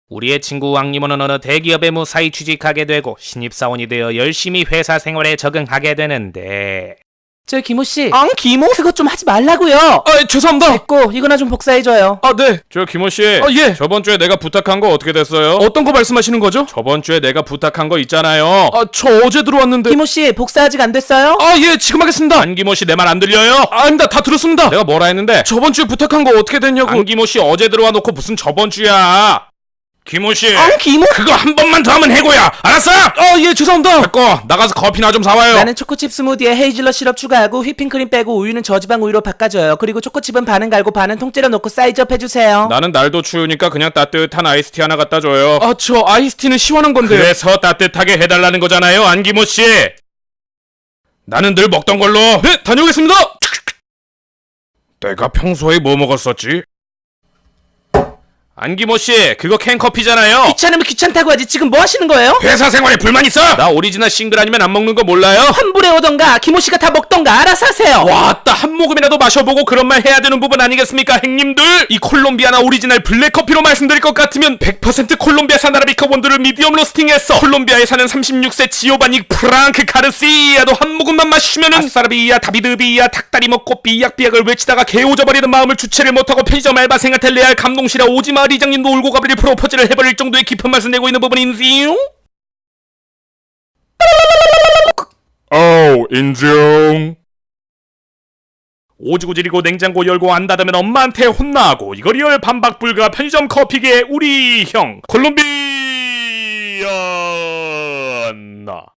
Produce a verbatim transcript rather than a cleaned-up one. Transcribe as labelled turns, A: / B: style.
A: 우리의 친구 왕님은 어느 대기업에 무사히 취직하게 되고 신입사원이 되어 열심히 회사 생활에 적응하게 되는데
B: 저 김호씨
A: 앙 김호?
B: 그것 좀 하지 말라고요.
C: 아, 죄송합니다.
B: 됐고 이거나 좀 복사해줘요.
C: 아, 네.
D: 저 김호씨,
C: 아, 예.
D: 저번 주에 내가 부탁한 거 어떻게 됐어요?
C: 어떤 거 말씀하시는 거죠?
D: 저번 주에 내가 부탁한 거 있잖아요.
C: 아, 저 어제 들어왔는데.
B: 김호씨 복사 아직 안 됐어요?
C: 아, 예, 지금 하겠습니다.
D: 안기모씨 내 말 안 들려요?
C: 아, 아닙니다. 다 들었습니다.
D: 내가 뭐라 했는데?
C: 저번 주에 부탁한 거 어떻게 됐냐고.
D: 안기모씨 어제 들어와 놓고 무슨 저번 주야? 김호씨,
B: 앙 김호?
D: 그거 한 번만 더 하면 해고야. 알았어?
C: 아, 예, 죄송합니다.
D: 됐고 나가서 커피나 좀 사와요.
B: 나는 초코칩 스무디에 헤이즐넛 시럽 추가하고 휘핑크림 빼고 우유는 저지방 우유로 바꿔줘요. 그리고 초코칩은 반은 갈고 반은 통째로 넣고 사이즈업 해주세요.
D: 나는 날도 추우니까 그냥 따뜻한 아이스티 하나 갖다 줘요.
C: 아, 저 아이스티는 시원한 건데.
D: 그래서 따뜻하게 해달라는 거잖아요, 안기모씨. 나는 늘 먹던 걸로.
C: 네, 다녀오겠습니다.
D: 내가 평소에 뭐 먹었었지? 안기모씨, 그거 캔커피잖아요.
B: 귀찮으면 귀찮다고 하지 지금 뭐 하시는 거예요?
D: 회사 생활에 불만 있어? 나 오리지널 싱글 아니면 안 먹는 거 몰라요?
B: 환불해 오던가 김호씨가 다 먹던가 알아서 하세요.
D: 왔다, 한 모금이라도 마셔보고 그런 말 해야 되는 부분 아니겠습니까, 행님들? 이 콜롬비아나 오리지널 블랙커피로 말씀드릴 것 같으면 백 퍼센트 콜롬비아산 아라비카 원두를 미디엄 로스팅했어. 콜롬비아에 사는 삼십육 세 지오바니 프랑크 가르시아도 한 모금만 마시면은 아싸라비아 다비드비아 닭다리 먹고 비약비약을 외치다가 개오져버리는 마음을 주체를 못하고 편의점 알바생한테 레알 감동시라 오지마 이장님도 울고 가버릴 프로포즈를 해버릴 정도의 깊은 맛을 내고 있는 부분인지요? 오, 인정. 오지고 지리고 냉장고 열고 안 닫으면 엄마한테 혼나고 이거 리얼 반박 불가 편의점 커피계 우리 형 콜롬비아나.